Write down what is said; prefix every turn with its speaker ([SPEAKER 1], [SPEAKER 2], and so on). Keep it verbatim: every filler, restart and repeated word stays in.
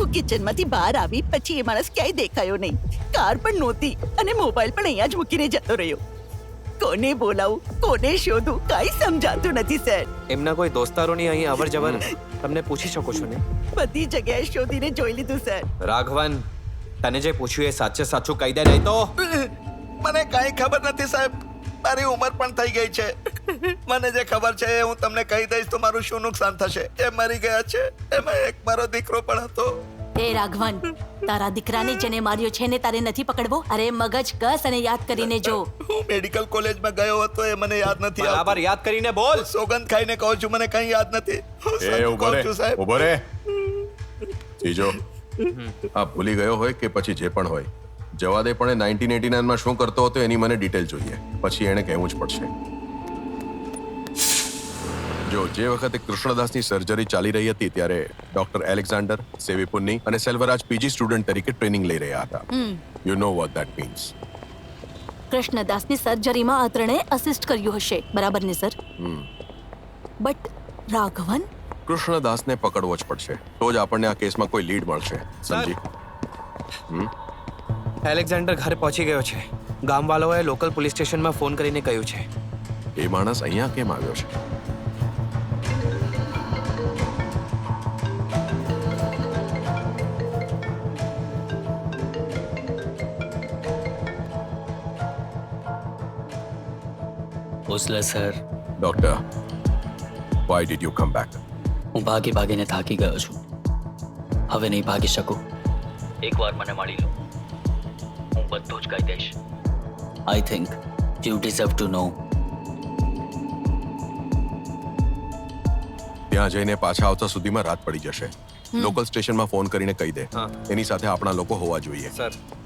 [SPEAKER 1] હું કિચનમાંથી બહાર આવી પછી એ માણસ ક્યાંય દેખાયો નહીં. કાર પણ નહોતી અને મોબાઈલ પણ અહીંયા જ મૂકીને જતો રહ્યો. કોને બોલાવું, કોને શોધું, કાંઈ સમજાતું નથી સર.
[SPEAKER 2] એમના કોઈ દોસ્તારોની અહીં અવર જવર તમને પૂછી શકો છો ને?
[SPEAKER 1] બધી જગ્યાએ શોધીને જોઈ લીધું સર.
[SPEAKER 2] રાઘવન, તને જે પૂછ્યું એ સાચે સાચું કહી દે, નહીં તો
[SPEAKER 3] મને કાંઈ ખબર નથી સાહેબ. મારી ઉંમર પણ થઈ ગઈ છે. મને જે ખબર છે એ હું તમને કહી દઈશ તો મારું શું નુકસાન થશે. એ મરી ગયા છે. એમાં એક મારો દીકરો પણ હતો.
[SPEAKER 4] એ રાઘવન, તારા દીકરાને જેને માર્યો છે ને તારે નથી પકડવો? અરે મગજ કસ અને યાદ કરીને જો.
[SPEAKER 3] હું મેડિકલ કોલેજમાં ગયો હતો, એ મને યાદ નથી આવતું.
[SPEAKER 2] બરાબર યાદ કરીને બોલ.
[SPEAKER 3] સોગંદ ખાઈને કહું છું, મને કંઈ યાદ નથી. હું
[SPEAKER 5] એ
[SPEAKER 3] સાચું
[SPEAKER 5] ઉભો
[SPEAKER 3] કહું
[SPEAKER 5] રે
[SPEAKER 3] છું સાહેબ.
[SPEAKER 5] ઉભો રે જીજો, આ ભૂલી ગયો હોય કે પછી જે પણ હોય, જવા દે. પણ નાઇન્ટીન એટી નાઇન માં શું કરતો હતો એની મને ડિટેલ જોઈએ. પછી એને કહેવું જ પડશે. જો જે વખતે કૃષ્ણદાસની સર્જરી ચાલી રહી હતી ત્યારે ડોક્ટર એલેક્ઝાન્ડર સેવીપુન્ની અને સેલ્વરાજ પીજી સ્ટુડન્ટ તરીકે ટ્રેનિંગ લઈ રહ્યા હતા. You know what that means.
[SPEAKER 4] કૃષ્ણદાસની સર્જરીમાં આ ત્રણે અસિસ્ટ કર્યું હશે, બરાબર ને સર? બટ રાઘવન,
[SPEAKER 5] કૃષ્ણદાસને પકડવો જ પડશે, તો જ આપણને આ કેસમાં કોઈ લીડ મળશે. સમજી?
[SPEAKER 2] એલેક્ઝાન્ડર ઘરે પહોંચી ગયો છે. ગામવાળાઓએ લોકલ પોલીસ સ્ટેશનમાં ફોન કરીને કહ્યું છે.
[SPEAKER 5] એ માણસ અહીંયા કેમ આવ્યો છે?
[SPEAKER 6] Bhosale sir,
[SPEAKER 5] doctor, why did you come back?
[SPEAKER 6] હું ભાગી ભાગીને થાકી ગયો છું. હવે નહીં ભાગી શકું. એકવાર મને મળી લો, હું બધું જ કહી દઈશ. I think you deserve to know.
[SPEAKER 5] ત્યાં જઈને પાછા આવતા સુધીમાં રાત પડી જશે. લોકલ સ્ટેશનમાં ફોન કરીને કહી દે,
[SPEAKER 2] હા.
[SPEAKER 5] એની સાથે આપણા લોકો હોવા જોઈએ.
[SPEAKER 2] સર